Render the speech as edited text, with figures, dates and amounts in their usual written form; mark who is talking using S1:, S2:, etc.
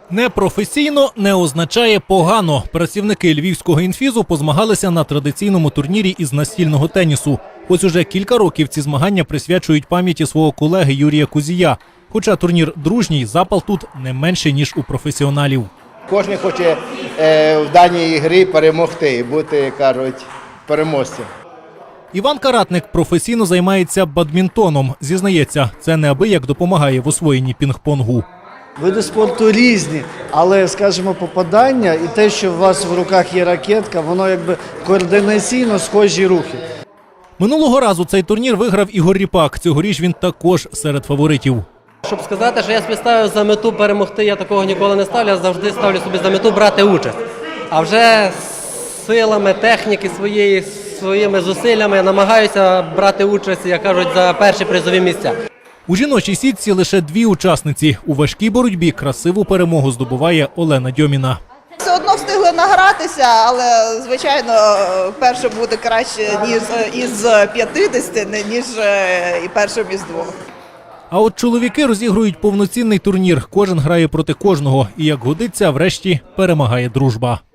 S1: Непрофесійно не означає погано. Працівники львівського інфізу позмагалися на традиційному турнірі із настільного тенісу. Ось уже кілька років ці змагання присвячують пам'яті свого колеги Юрія Кузія. Хоча турнір дружній, запал тут не менший, ніж у професіоналів.
S2: Кожен хоче в даній грі перемогти і бути, кажуть, переможцем.
S1: Іван Каратник професійно займається бадмінтоном. Зізнається, це неабияк допомагає в освоєнні пінг-понгу.
S3: Види спорту різні, але, скажімо, попадання і те, що у вас в руках є ракетка, воно якби координаційно схожі рухи.
S1: Минулого разу цей турнір виграв Ігор Ріпак. Цьогоріч він також серед фаворитів.
S4: Щоб сказати, що я собі ставив за мету перемогти, я такого ніколи не ставлю, я завжди ставлю собі за мету брати участь. А вже силами, техніки своїми зусиллями намагаюся брати участь, як кажуть, за перші призові місця.
S1: У жіночій сітці лише дві учасниці. У важкій боротьбі красиву перемогу здобуває Олена Дьоміна.
S5: Все одно встигли награтися, але, звичайно, перше буде краще із 50, ніж і першим із двох.
S1: А от чоловіки розігрують повноцінний турнір. Кожен грає проти кожного. І, як годиться, врешті перемагає дружба.